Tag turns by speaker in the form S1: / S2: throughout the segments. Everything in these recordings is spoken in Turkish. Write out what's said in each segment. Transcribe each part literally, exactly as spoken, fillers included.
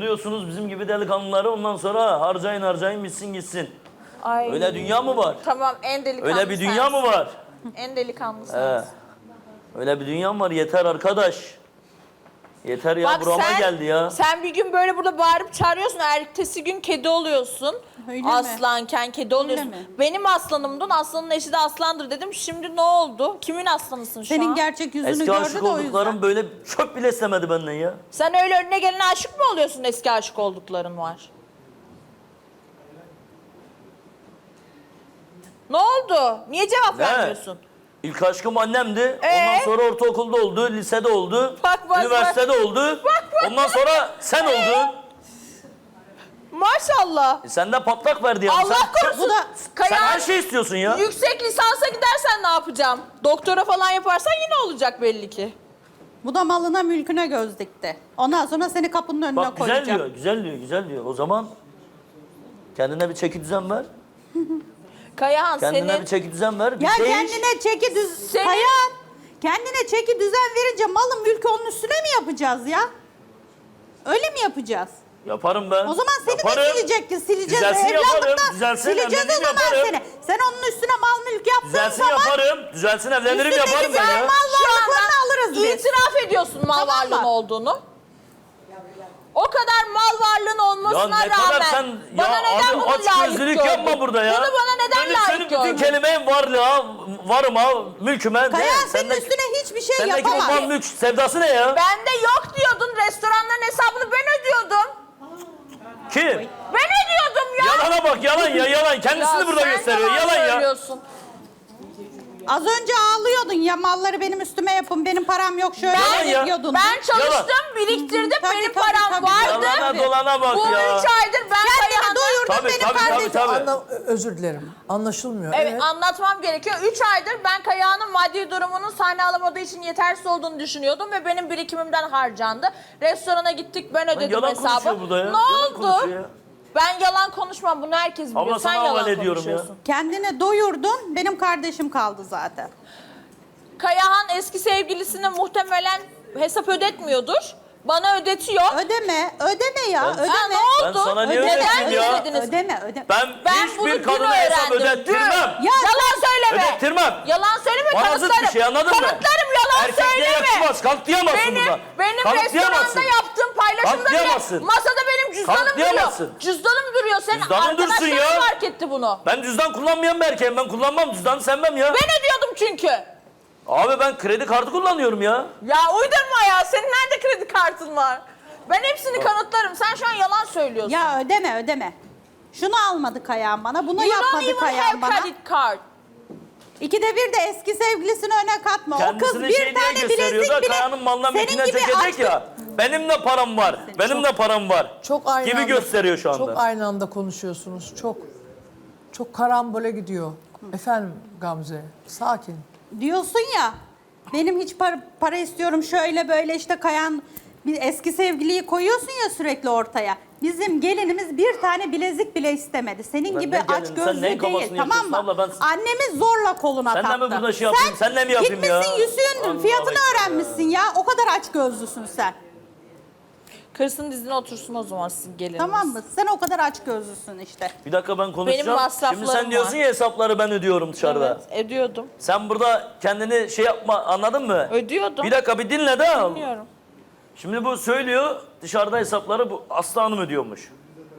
S1: Buluyorsunuz bizim gibi delikanlıları, ondan sonra harcayın harcayın bitsin gitsin.
S2: Ay.
S1: Öyle dünya mı var?
S2: Tamam, en delikanlı
S1: Öyle bir dünya
S2: sensin.
S1: mı var?
S2: En delikanlı
S1: He.
S2: sensin.
S1: Öyle bir dünya mı var? Yeter arkadaş. Yeter ya,
S2: Bak
S1: burama
S2: sen,
S1: geldi ya.
S2: sen bir gün böyle burada bağırıp çağırıyorsun, ertesi gün kedi oluyorsun.
S3: Öyle mi?
S2: Aslanken kedi oluyorsun.
S3: mi?
S2: Benim aslanımdın, aslanın eşi de aslandır dedim. Şimdi ne oldu? Kimin aslanısın şu
S3: Senin
S2: an?
S3: gerçek yüzünü
S1: Eski
S3: gördü
S1: aşık
S3: de o
S1: olduklarım
S3: yüzden.
S1: böyle çöp bile istemedi benden ya.
S2: Sen öyle önüne gelene aşık mı oluyorsun, eski aşık oldukların var? Ne oldu? Niye cevap
S1: Ne?
S2: vermiyorsun?
S1: İlk aşkım annemdi.
S2: Ee?
S1: Ondan sonra ortaokulda oldu, lisede oldu,
S2: Bak, bak,
S1: üniversitede oldu.
S2: Bak, bak.
S1: Ondan sonra sen oldun.
S2: Maşallah.
S1: E sen de patlak verdi ya.
S2: Allah
S1: sen,
S2: korusun.
S3: Bu da-
S1: sen
S2: Kayan,
S1: her şey istiyorsun ya.
S2: yüksek lisansa gidersen ne yapacağım? Doktora falan yaparsan yine olacak belli ki.
S3: Bu da malına mülküne göz dikti. Ondan sonra seni kapının önüne
S1: Bak güzel
S3: koyacak.
S1: diyor, güzel diyor, güzel diyor. O zaman kendine bir çeki düzen ver.
S2: Kayahan
S1: Kendine
S2: senin...
S1: bir çeki düzen ver. Bir
S3: Ya
S1: değiş.
S3: kendine çeki düz...
S2: Senin-
S3: Kayan, kendine çeki düzen verince malın mülkü onun üstüne mi yapacağız ya? Öyle mi yapacağız?
S1: Yaparım ben.
S3: O zaman seni
S1: yaparım.
S3: de silecek ki sileceğiz.
S1: Düzelsin yaparım,
S3: Evlatlıkta
S1: düzelsin,
S3: sileceğiz o
S1: evlenirim
S3: zaman
S1: yaparım.
S3: seni. Sen onun üstüne mal mülk yaptığın
S1: Düzelsin
S3: zaman...
S1: yaparım. Düzelsin evlenirim
S3: Üstündeki
S1: yaparım ben
S3: ben
S1: ya.
S3: mal
S2: Şu
S3: varlıklarını
S2: anda
S3: alırız biz.
S2: itiraf ediyorsun mal
S3: Tamam mı?
S2: varlığın olduğunu. O kadar mal varlığın
S1: Ya
S2: olmasına
S1: ne kadar
S2: rağmen
S1: sen
S2: bana
S1: ya
S2: neden
S1: abi
S2: bunu
S1: aç
S2: layık
S1: gözlülük
S2: gördün?
S1: yapma burada ya.
S2: Bunu bana neden
S1: Benim
S2: layık
S1: senin bütün
S2: gördün?
S1: kelimenin varlığa, varıma, mülküme.
S3: Kayan
S1: de,
S3: senin
S1: sendeki-
S3: üstüne hiçbir şey
S1: Sendeki bu
S3: yapamaz.
S1: mal mülk sevdası ne ya?
S2: Bende yok diyordun, restoranların hesabını ben ödüyordum.
S1: Kim?
S2: Ben ödüyordum ya.
S1: Yalana bak, yalan ya, yalan. Kendisini
S2: Ya
S1: burada
S2: sen
S1: gösteriyor, yalan ya.
S2: söylüyorsun.
S3: Az önce ağlıyordun ya malları benim üstüme yapın, benim param yok şöyle
S1: Yalan
S3: öyle
S1: ya.
S3: diyordun.
S2: Ben çalıştım,
S1: Yalan.
S2: biriktirdim,
S3: Tabii,
S2: benim
S3: tabii,
S2: param
S3: tabii.
S2: vardı.
S1: Yalana dolana bak
S2: Bu
S1: ya.
S2: üç aydır ben
S3: Kendini
S2: Kayahan'dan...
S3: doyurdun
S1: Tabii,
S3: benim
S1: tabii, tabii,
S3: kardeşim.
S1: tabii.
S4: Anla, özür dilerim. Anlaşılmıyor.
S2: Evet, anlatmam gerekiyor. Üç aydır ben Kayahan'ın maddi durumunun sahne alamadığı için yetersiz olduğunu düşünüyordum ve benim birikimimden harcandı. Restorana gittik, ben ödedim
S1: yalan
S2: hesabı.
S1: konuşuyor burada ya.
S2: Ne
S1: Yalan
S2: oldu?
S1: konuşuyor ya.
S2: Ben yalan konuşmam, bunu herkes biliyor.
S1: Abla
S2: Sen
S1: sana
S2: yalan
S1: havale ediyorum ya.
S2: konuşuyorsun.
S3: Kendini doyurdun, benim kardeşim kaldı zaten.
S2: Kayahan eski sevgilisine muhtemelen hesap ödetmiyordur. Bana ödetiyor.
S3: Ödeme, ödeme ya,
S1: Ben-
S3: ödeme.
S2: Ha, ne oldu?
S1: Ben sana niye
S2: Neden
S1: ödeteyim ya?
S2: ödediniz?
S3: Ödeme, ödeme.
S1: Ben,
S2: Ben bunu
S1: hiçbir
S2: dün
S1: kadına hesap
S2: öğrendim.
S1: ödettirmem.
S2: Dün. Yalan söyleme.
S1: Ödettirmem.
S2: Yalan söyleme,
S1: Bana
S2: kanıtlarım.
S1: zıt bir şey, anladın mı?
S2: Kanıtlarım, yalan
S1: Erkekliğe
S2: söyleme.
S1: yakışmaz, kanıtlayamazsın
S2: benim,
S1: burada.
S2: Benim
S1: Kanıtlayamazsın.
S2: restoranda yaptığım paylaşımda bile
S1: Kanıtlayamazsın.
S2: masada benim cüzdanım duruyor.
S1: Kanıtlayamazsın.
S2: Cüzdanım duruyor. Senin
S1: Cüzdanın dursun
S2: arkadaşların
S1: ya.
S2: fark etti bunu.
S1: Ben cüzdan kullanmayan bir erkeğim. Ben kullanmam, cüzdanı sevmem ya.
S2: Ben ödüyordum çünkü.
S1: Abi ben kredi kartı kullanıyorum ya.
S2: Ya uydurma ya. Senin nerede kredi kartın var? Ben hepsini kanıtlarım. Sen şu an yalan söylüyorsun.
S3: Ya ödeme, ödeme. Şunu almadı Kayan bana, bunu
S2: You don't
S3: yapmadı
S2: even
S3: Kayan
S2: have
S3: bana.
S2: credit card.
S3: İkide bir de eski sevgilisini öne katma. o kız
S1: Kendisini
S3: bir
S1: şey diye
S3: tane
S1: gösteriyor
S3: bilezik
S1: da
S3: bile
S1: Kaya'nın malına
S3: senin
S1: mülküne
S3: gibi
S1: çekecek
S3: açtı.
S1: ya. Benim de param var. Benim de param var.
S4: Çok aynı
S1: Gibi
S4: anda,
S1: gösteriyor şu anda.
S4: Çok aynı anda konuşuyorsunuz. Çok. Çok karambole gidiyor. Efendim Gamze, sakin.
S3: Diyorsun ya, benim hiç para, para istiyorum şöyle böyle işte Kayan bir eski sevgiliyi koyuyorsun ya sürekli ortaya. Bizim gelinimiz bir tane bilezik bile istemedi. Senin
S1: Ben
S3: gibi
S1: ne
S3: aç
S1: gelinim? Sen
S3: gözlü
S1: neyin
S3: değil,
S1: kafasını
S3: tamam mı?
S1: yapıyorsun abla? Ben-
S3: Annemiz zorla koluna
S1: Sen de mi
S3: taktı.
S1: burada şey yapayım? Sen de mi yapayım ya?
S3: Gitmişsin yüzüğün
S1: Allah
S3: fiyatını
S1: Allah.
S3: öğrenmişsin ya. O kadar aç gözlüsün sen.
S2: Kırsın dizine otursun o zaman sizin geliniz.
S3: Tamam mı? Sen o kadar aç gözlüsün işte.
S1: Bir dakika ben konuşacağım.
S2: Benim masraflarım
S1: Şimdi sen diyorsun
S2: var.
S1: ya hesapları ben ödüyorum dışarıda.
S2: Evet, ödüyordum.
S1: Sen burada kendini şey yapma, anladın mı?
S2: Ödüyordum.
S1: Bir dakika bir dinle de.
S2: Dinliyorum.
S1: Şimdi bu söylüyor, dışarıda hesapları bu Aslı Hanım ödüyormuş.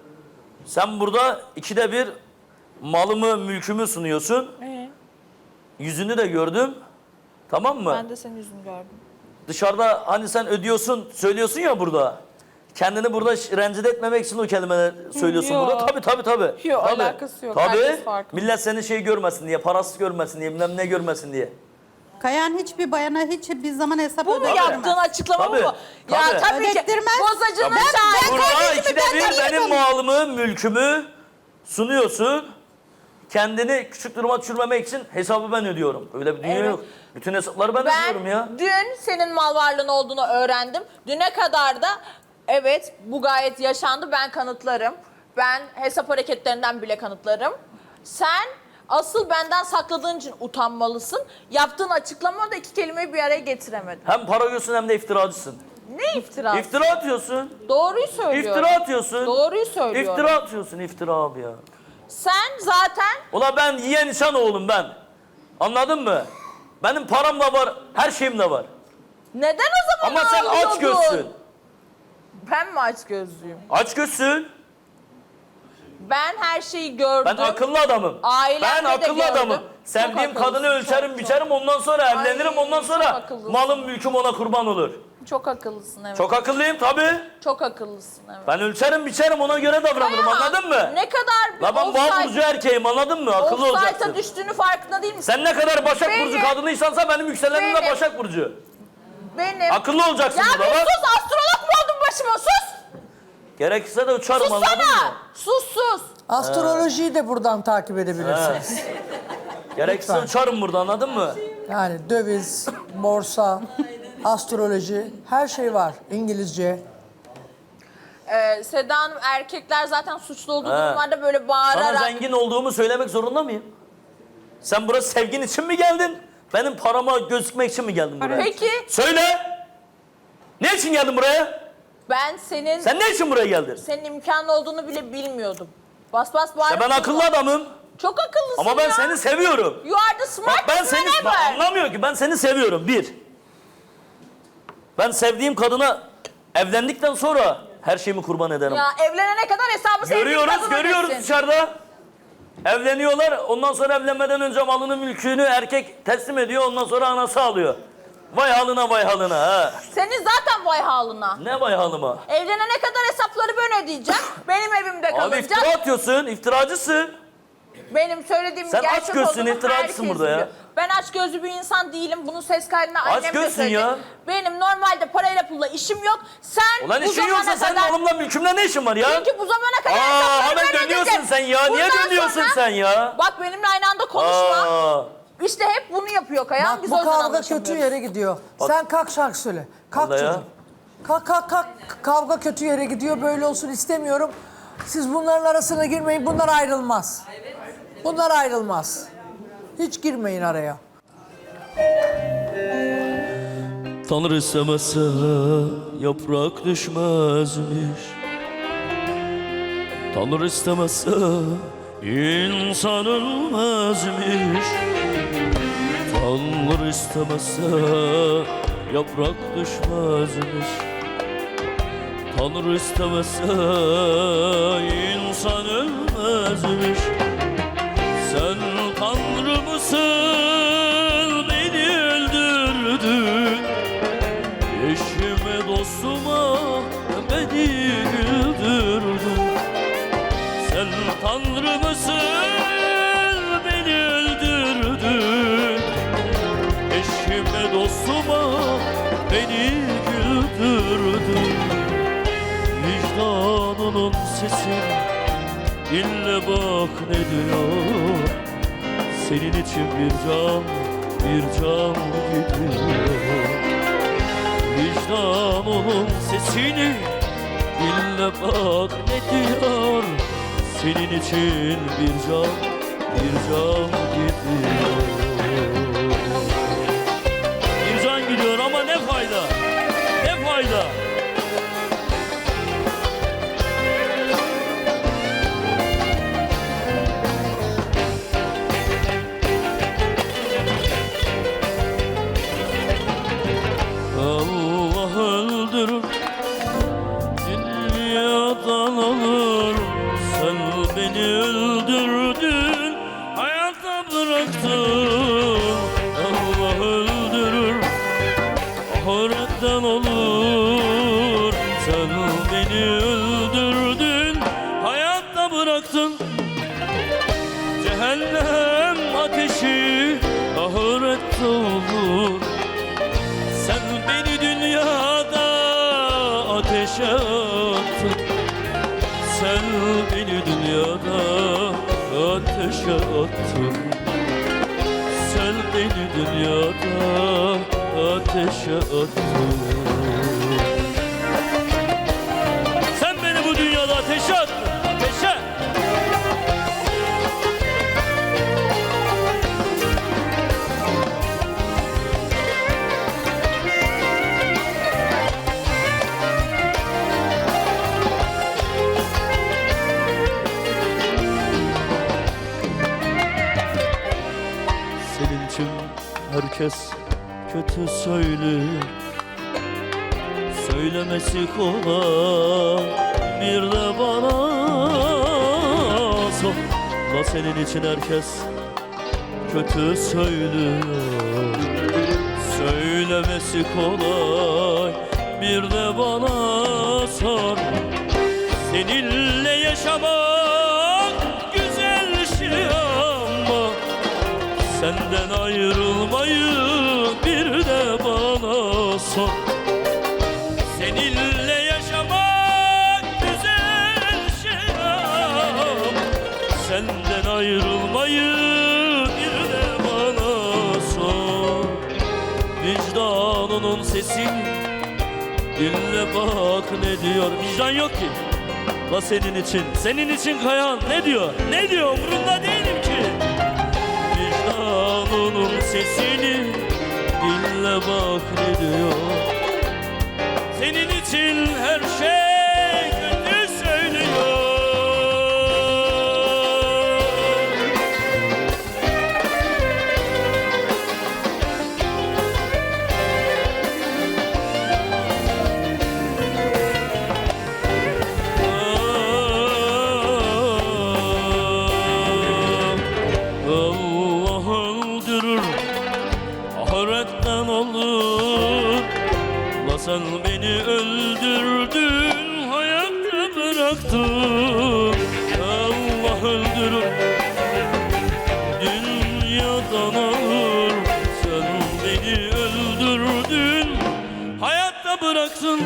S1: Sen burada ikide bir malımı, mülkümü sunuyorsun.
S2: Ee,
S1: Yüzünü de gördüm. Tamam mı?
S2: ben de senin yüzünü gördüm.
S1: Dışarıda hani sen ödüyorsun, söylüyorsun ya burada. Kendini burada ş- rencide etmemek için o kelimeleri söylüyorsun
S2: Yok.
S1: burada. Tabii tabii tabii.
S2: Yok,
S1: Tabii.
S2: alakası yok.
S1: Tabii.
S2: Herkes farklı.
S1: Millet seni şey görmesin diye, parasız görmesin diye, bilmem ne görmesin diye.
S3: Kayan hiçbir bayana hiç bir zaman hesap
S2: Bu mu
S3: ödettirmez.
S2: yaptığın açıklama
S1: Tabii,
S2: bu mu? Ya
S1: tabii.
S2: tabii ki.
S3: Ödettirmez.
S2: Bozacının
S3: Ben-
S2: şahidi.
S1: Burada
S3: kardeşimi
S1: ikide
S3: benden
S1: bir
S3: iyi
S1: benim
S3: konuş-
S1: malımı, mülkümü sunuyorsun. Kendini küçük duruma düşürmemek için hesabı ben ödüyorum. Öyle bir dünya
S2: Evet.
S1: yok. Bütün hesapları ben,
S2: Ben
S1: ödüyorum ya.
S2: dün senin mal varlığın olduğunu öğrendim. Düne kadar da evet bu gayet yaşandı, ben kanıtlarım. Ben hesap hareketlerinden bile kanıtlarım. Sen asıl benden sakladığın için utanmalısın. Yaptığın açıklama da iki kelimeyi bir araya getiremedin.
S1: Hem para yiyorsun hem de iftiracısın.
S2: Ne iftirası?
S1: İftira atıyorsun.
S2: Doğruyu söylüyorum.
S1: İftira atıyorsun.
S2: Doğruyu söylüyorum.
S1: İftira atıyorsun, iftira abi ya.
S2: Sen zaten
S1: Ula ben yiyen insan oğlum ben. Anladın mı? Benim param da var, her şeyim de var.
S2: neden o zaman
S1: Ama sen aç
S2: ağlıyordun?
S1: gözsün.
S2: Ben mi aç gözlüyüm?
S1: Aç gözsün.
S2: Ben her şeyi gördüm.
S1: Ben akıllı adamım.
S2: Ailemde
S1: Ben
S2: de
S1: akıllı
S2: gördüm.
S1: adamım.
S2: Çok
S1: Sevdiğim
S2: akıllısın,
S1: kadını ölçerim,
S2: çok,
S1: biçerim, ondan sonra evlenirim,
S2: Ay,
S1: ondan
S2: çok
S1: sonra
S2: akıllısın.
S1: malım mülküm ona kurban olur.
S2: Çok akıllısın evet.
S1: Çok akıllıyım tabii.
S2: Çok akıllısın evet.
S1: Ben ölçerim, biçerim, ona göre davranırım,
S2: Ama
S1: anladın mı?
S2: Ne kadar bir
S1: La ben boğa burcu erkeğim, anladın mı? Akıllı olacaksın.
S2: offside'a düştüğünü farkında değil misin?
S1: Sen ne kadar Başak
S2: Benim-
S1: Burcu kadınıysansa benim yükselenim de
S2: Benim-
S1: Başak Burcu.
S2: Benim.
S1: Akıllı olacaksın
S2: Ya
S1: burada
S2: bir
S1: bak.
S2: sus, astrolog mu oldun başıma, sus!
S1: Gerekirse de uçarım, anladın
S2: Sussana!
S1: mı?
S2: Sus sus!
S4: Astrolojiyi de buradan takip edebilirsiniz.
S1: Gerekirse
S4: Lütfen.
S1: uçarım burada, anladın mı?
S4: Yani döviz, borsa, astroloji, her şey var. İngilizce.
S2: Ee, Seda Hanım, erkekler zaten suçlu olduğu
S1: He.
S2: durumlarda böyle
S1: Sana
S2: bağırarak...
S1: zengin olduğumu söylemek zorunda mıyım? Sen buraya sevgin için mi geldin? Benim parama gözükmek için mi geldin buraya?
S2: Peki
S1: Söyle! Ne için geldin buraya?
S2: ben senin
S1: Sen ne için buraya geldin?
S2: senin imkanın olduğunu bile bilmiyordum. Bas bas bağırıp
S1: Ya ben akıllı
S2: durma.
S1: adamım
S2: Çok akıllısın
S1: ama ben
S2: ya.
S1: seni seviyorum.
S2: You are the
S1: Bak
S2: smartest
S1: ben seni
S2: man
S1: bak,
S2: ever.
S1: anlamıyor ki ben seni seviyorum bir. Ben sevdiğim kadına evlendikten sonra her şeyimi kurban ederim.
S2: Ya evlenene kadar hesabı sevdiğin
S1: Görüyoruz,
S2: kadına
S1: görüyoruz
S2: versin.
S1: dışarıda. Evleniyorlar, ondan sonra evlenmeden önce malını, mülkünü erkek teslim ediyor, ondan sonra anası alıyor. Vay halına, vay halına ha.
S2: Senin zaten vay halına.
S1: Ne vay halıma?
S2: Evlenene kadar hesapları ben ödeyeceğim. Benim evimde
S1: Abi
S2: kalacak.
S1: iftira atıyorsun, iftiracısın.
S2: Benim söylediğim
S1: Sen
S2: gerçek
S1: aç gözsün,
S2: olduğunu
S1: iftiracısın
S2: herkes
S1: burada ya.
S2: biliyor. Ben aç gözlü bir insan değilim. Bunun ses kaydını annem de
S1: gözsün
S2: söyledi.
S1: ya.
S2: Benim normalde parayla pulla işim yok. Sen
S1: Ulan
S2: bu
S1: işin
S2: zamana
S1: yoksa senin
S2: kadar...
S1: malımla mülkümle ne işin var ya?
S2: Çünkü bu zamana kadar
S1: Aa,
S2: hesapları
S1: hemen
S2: ben
S1: dönüyorsun
S2: ödedim.
S1: sen ya. Niye
S2: Bundan
S1: dönüyorsun
S2: sonra-
S1: sen ya?
S2: Bak benimle aynı anda konuşma.
S1: Aa,
S2: İşte hep bunu yapıyor Kayan.
S4: Bak
S2: Biz
S4: bu
S2: o yüzden
S4: kavga
S2: anlaşamıyoruz.
S4: kötü yere gidiyor. Sen kalk şarkı söyle. Kalk
S1: Vallahi ya.
S4: çocuğum. Kalk kalk kalk. Kavga kötü yere gidiyor. Böyle olsun istemiyorum. Siz bunların arasına girmeyin. Bunlar ayrılmaz. Bunlar ayrılmaz. Hiç girmeyin araya.
S1: Tanrı istemezse yaprak düşmezmiş. Tanrı istemezse insan ölmezmiş. Tanrı istemezse yaprak düşmezmiş. Tanrı istemezse insan ölmezmiş. Sen Tanrı mısın, beni öldürdün. Eşime dostuma beni güldürdün. Sen Tanrı mısın, beni öldürdün. Eşime dostuma beni güldürdün. Vicdanının sesi dinle bak ne diyor. Senin için bir can, bir can gidiyor. Vicdanının sesini dinle bak ne diyor. Senin için bir can, bir can gidiyor. Bir can gidiyor ama ne fayda, ne fayda. Allah öldürür, dünyadan alır. Sen beni öldürdün, hayatta bıraktın. Allah öldürür, ahiretten olur. Sen beni öldürdün, hayatta bıraktın. Cehennem ateşi ahirette olur. Sen beni dünyada ateşe attın. Sen beni dünyada ateşe attın. Sen beni dünyada ateşe attın. Sen beni bu dünyada ateşe attın. Ateşe. herkes kötü söylüyor. Söylemesi kolay, bir de bana sor. La senin için herkes kötü söylüyor. Söylemesi kolay, bir de bana sor. Seninle yaşamak güzel şey ama senden ayrılmayı bir de bana sor. Seninle yaşamak güzel şey ama senden ayrılmayı bir de bana sor. Vicdanının sesini dinle bak ne diyor. Vicdan yok ki. La senin için, senin için Kayahan ne diyor? Ne diyor? Umurunda değilim ki. Vicdanının sesini dinle bak ne diyor. Senin için her şey kötü söylüyor. Allah öldürür, ahiretten olur. La sen beni öldürdün, hayatta bıraktın. Allah öldürür, dünyadan alır. Sen beni öldürdün, hayatta bıraktın.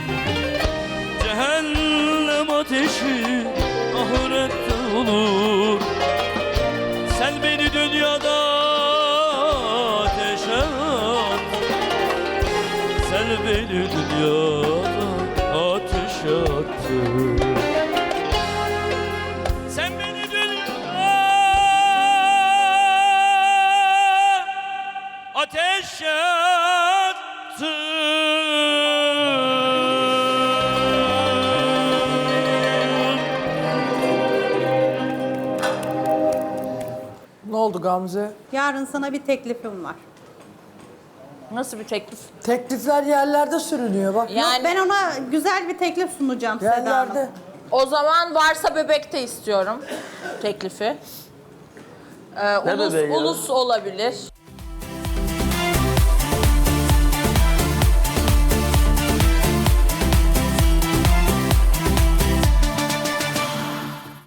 S1: Cehennem ateşi ahirette olur. Sen beni dünyada ateşe at. Sen beni dünyada ateşe attın. Sen beni dünyada ateşe attın.
S4: Ne oldu Gamze?
S3: Yarın sana bir teklifim var.
S2: Nasıl bir teklif?
S4: Teklifler yerlerde sürünüyor bak.
S2: Yani
S3: Ben ona güzel bir teklif sunacağım Seda Hanım.
S4: Yerlerde.
S2: o zaman varsa bebekte istiyorum teklifi. Ee, ulus,
S1: bebeği ya?
S2: ulus olabilir.